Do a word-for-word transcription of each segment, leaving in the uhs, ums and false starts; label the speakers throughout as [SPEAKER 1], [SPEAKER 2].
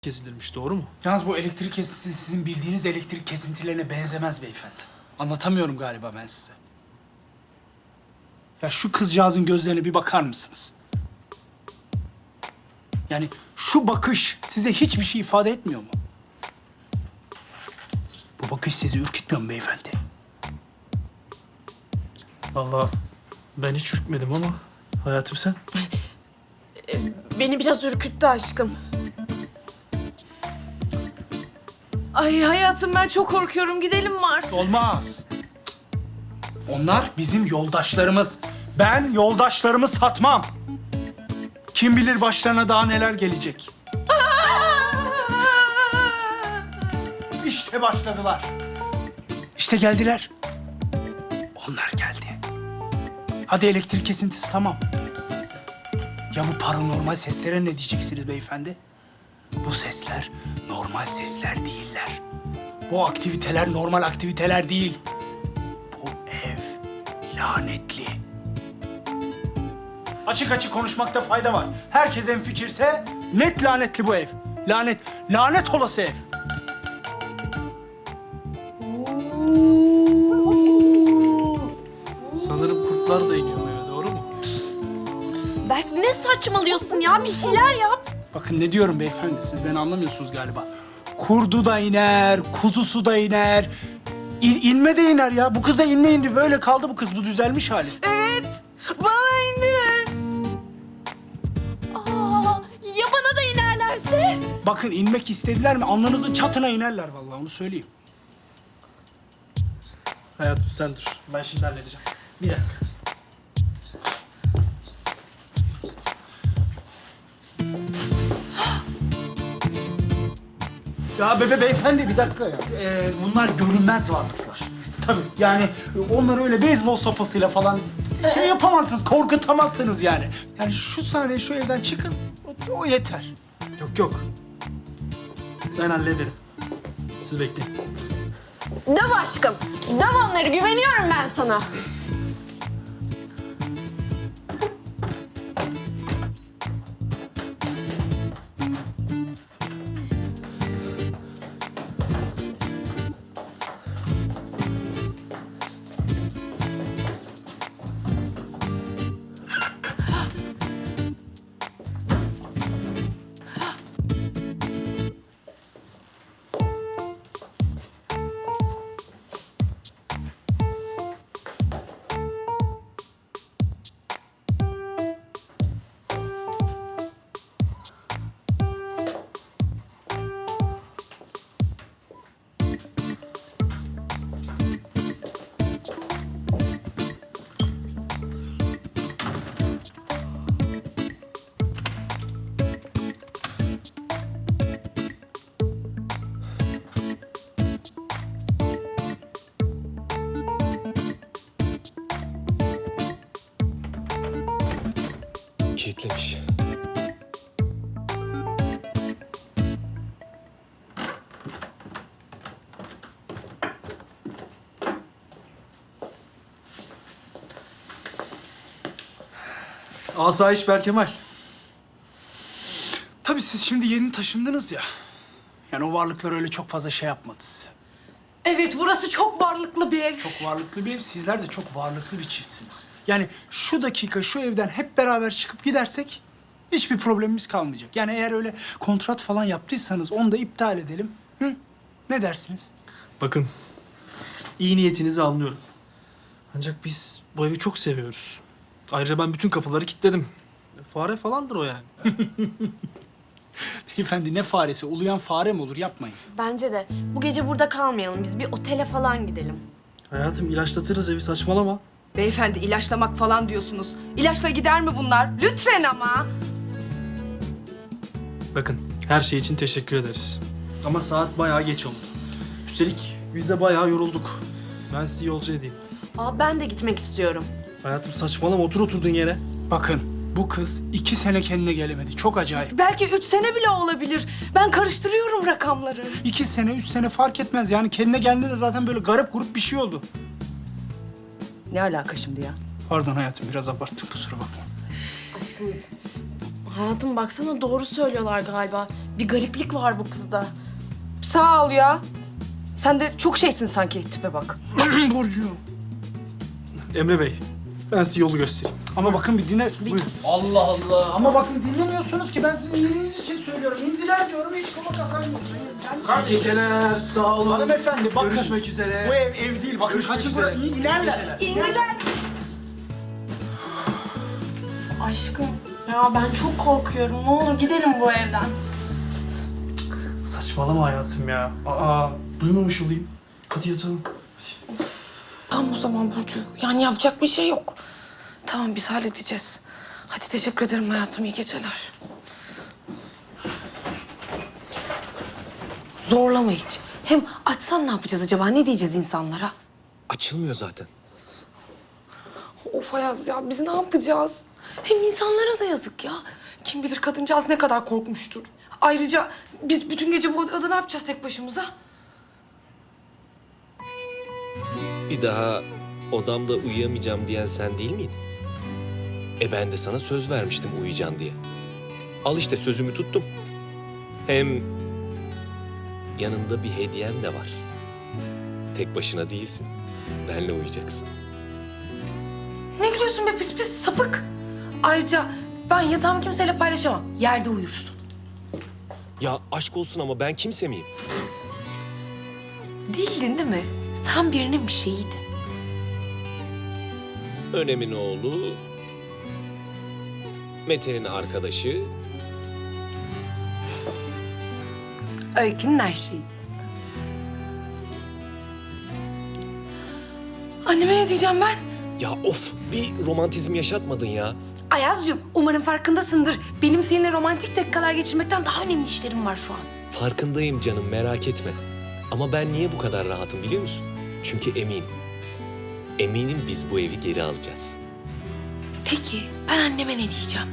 [SPEAKER 1] kesilirmiş, doğru mu?
[SPEAKER 2] Yalnız bu elektrik kesintisi sizin bildiğiniz elektrik kesintilerine benzemez beyefendi. Anlatamıyorum galiba ben size. Ya şu kızcağızın gözlerine bir bakar mısınız? Yani şu bakış size hiçbir şey ifade etmiyor mu? Bu bakış sizi ürkütmüyor mu beyefendi?
[SPEAKER 1] Vallahi ben hiç ürkmedim ama hayatım sen.
[SPEAKER 3] Beni biraz ürküttü aşkım. Ay hayatım ben çok korkuyorum. Gidelim mi artık?
[SPEAKER 2] Olmaz. Onlar bizim yoldaşlarımız. Ben yoldaşlarımı satmam. Kim bilir başlarına daha neler gelecek. İşte başladılar. İşte geldiler. Onlar geldi. Hadi elektrik kesintisi tamam. Ya bu paranormal seslere ne diyeceksiniz beyefendi? Bu sesler normal sesler değiller. Bu aktiviteler normal aktiviteler değil. Bu ev lanetli. Açık açık konuşmakta fayda var. Herkes hemfikirse net lanetli bu ev. Lanet, lanet olası ev.
[SPEAKER 1] Sanırım kurtlar da iniyor eve, doğru mu?
[SPEAKER 3] Berk ne saçmalıyorsun ya? Bir şeyler yap.
[SPEAKER 2] Bakın ne diyorum beyefendi, siz beni anlamıyorsunuz galiba. Kurdu da iner, kuzusu da iner. İn, inme de iner ya. Bu kız da inme indi. Böyle kaldı bu kız. Bu düzelmiş hali.
[SPEAKER 3] Evet. Bana iner. Aa, ya bana da inerlerse?
[SPEAKER 2] Bakın inmek istediler mi? Alnınızın çatına inerler vallahi, onu söyleyeyim.
[SPEAKER 1] Hayatım sen dur. Ben şimdi halledeceğim. Bir dakika.
[SPEAKER 2] Ya bebe beyefendi bir dakika ya. Ee, bunlar görünmez varlıklar. Tabii yani onları öyle beyzbol sopasıyla falan şey yapamazsınız, korkutamazsınız yani. Yani şu saniye şu evden çıkın, o, o yeter.
[SPEAKER 1] Yok yok. Ben hallederim. Siz bekleyin.
[SPEAKER 3] Döv aşkım. Döv onları. Güveniyorum ben sana.
[SPEAKER 4] Kilitlemiş.
[SPEAKER 1] Asayiş Berkemal.
[SPEAKER 2] Tabii siz şimdi yeni taşındınız ya. Yani o varlıklar öyle çok fazla şey yapmadı size.
[SPEAKER 3] Evet burası çok varlıklı bir ev.
[SPEAKER 2] Çok varlıklı bir ev, sizler de çok varlıklı bir çiftsiniz. Yani şu dakika şu evden hep beraber çıkıp gidersek hiçbir problemimiz kalmayacak. Yani eğer öyle kontrat falan yaptıysanız onu da iptal edelim. Hı? Ne dersiniz?
[SPEAKER 1] Bakın, iyi niyetinizi anlıyorum. Ancak biz bu evi çok seviyoruz. Ayrıca ben bütün kapıları kilitledim. Fare falandır o yani.
[SPEAKER 2] Beyefendi ne faresi? Uluyan fare mi olur? Yapmayın.
[SPEAKER 3] Bence de. Bu gece burada kalmayalım. Biz bir otele falan gidelim.
[SPEAKER 1] Hayatım ilaçlatırız evi, saçmalama.
[SPEAKER 5] Beyefendi ilaçlamak falan diyorsunuz. İlaçla gider mi bunlar? Lütfen ama.
[SPEAKER 1] Bakın, her şey için teşekkür ederiz. Ama saat bayağı geç oldu. Üstelik biz de bayağı yorulduk. Ben sizi yolcu edeyim.
[SPEAKER 3] Aa ben de gitmek istiyorum.
[SPEAKER 1] Hayatım saçmalama, otur oturduğun yere.
[SPEAKER 2] Bakın bu kız iki sene kendine gelemedi. Çok acayip.
[SPEAKER 5] Belki üç sene bile olabilir. Ben karıştırıyorum rakamları.
[SPEAKER 2] İki sene, üç sene fark etmez. Yani kendine geldiğinde zaten böyle garip grup bir şey oldu.
[SPEAKER 5] Ne alaka şimdi ya?
[SPEAKER 2] Pardon hayatım, biraz abarttık, kusura bakma.
[SPEAKER 3] Aşkım
[SPEAKER 5] Hayatım baksana doğru söylüyorlar galiba. Bir gariplik var bu kızda. Sağ ol ya. Sen de çok şeysin sanki, tipe bak.
[SPEAKER 2] Burcu.
[SPEAKER 1] Emre Bey, ben size yolu göstereyim.
[SPEAKER 2] Ama bakın bir dinle. Buyurun.
[SPEAKER 4] Allah Allah.
[SPEAKER 2] Ama bakın dinlemiyorsunuz ki ben sizin iyiliğiniz için söylüyorum. İndiler diyorum hiç kafa kazanmıyorsunuz.
[SPEAKER 1] İyi geceler, sağ olun.
[SPEAKER 2] Hanımefendi bakın.
[SPEAKER 1] Görüşmek üzere.
[SPEAKER 2] Bu ev ev değil. Bakın
[SPEAKER 1] Görüşmek
[SPEAKER 2] kaçın
[SPEAKER 1] üzere.
[SPEAKER 2] buraya. İyi ilerler.
[SPEAKER 5] İndiler. Aşkım ya ben çok korkuyorum. Ne olur gidelim bu evden.
[SPEAKER 1] Saçmalama hayatım ya. Aa, duymamış olayım. Hadi yatalım.
[SPEAKER 5] Tamam o zaman Burcu. Yani yapacak bir şey yok. Tamam biz halledeceğiz. Hadi teşekkür ederim hayatım. İyi geceler. Zorlama hiç. Hem açsan ne yapacağız acaba? Ne diyeceğiz insanlara?
[SPEAKER 4] Açılmıyor zaten.
[SPEAKER 5] Of Ayaz ya biz ne yapacağız? Hem insanlara da yazık ya. Kim bilir kadıncağız ne kadar korkmuştur. Ayrıca biz bütün gece bu odada ne yapacağız tek başımıza?
[SPEAKER 4] Bir daha odamda uyuyamayacağım diyen sen değil miydin? E ben de sana söz vermiştim uyuyacaksın diye. Al işte sözümü tuttum. Hem yanında bir hediyem de var. Tek başına değilsin. Benle uyuyacaksın.
[SPEAKER 5] Ne gülüyorsun be pis pis sapık. Ayrıca ben yatağımı kimseyle paylaşamam. Yerde uyursun.
[SPEAKER 4] Ya aşk olsun ama ben kimse miyim?
[SPEAKER 5] Değildin değil mi? Sen birinin bir şeyiydin.
[SPEAKER 4] Önem'in oğlu, Mete'nin arkadaşı.
[SPEAKER 5] Öykünün her şeyi. Anneme ne diyeceğim ben?
[SPEAKER 4] Ya of bir romantizm yaşatmadın ya.
[SPEAKER 5] Ayaz'cığım umarım farkındasındır. Benim seninle romantik dakikalar geçirmekten daha önemli işlerim var şu an.
[SPEAKER 4] Farkındayım canım merak etme. Ama ben niye bu kadar rahatım biliyor musun? Çünkü eminim. Eminim biz bu evi geri alacağız.
[SPEAKER 5] Peki ben anneme ne diyeceğim?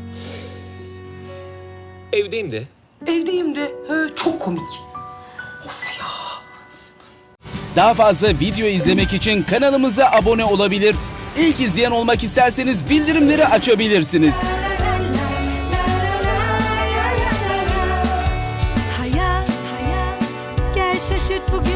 [SPEAKER 4] Evdeyim de.
[SPEAKER 5] Evdeyim de. He, çok komik. Of ya.
[SPEAKER 6] Daha fazla video izlemek için kanalımıza abone olabilir. İlk izleyen olmak isterseniz bildirimleri açabilirsiniz.
[SPEAKER 7] Hayat, gel şaşırt bugün.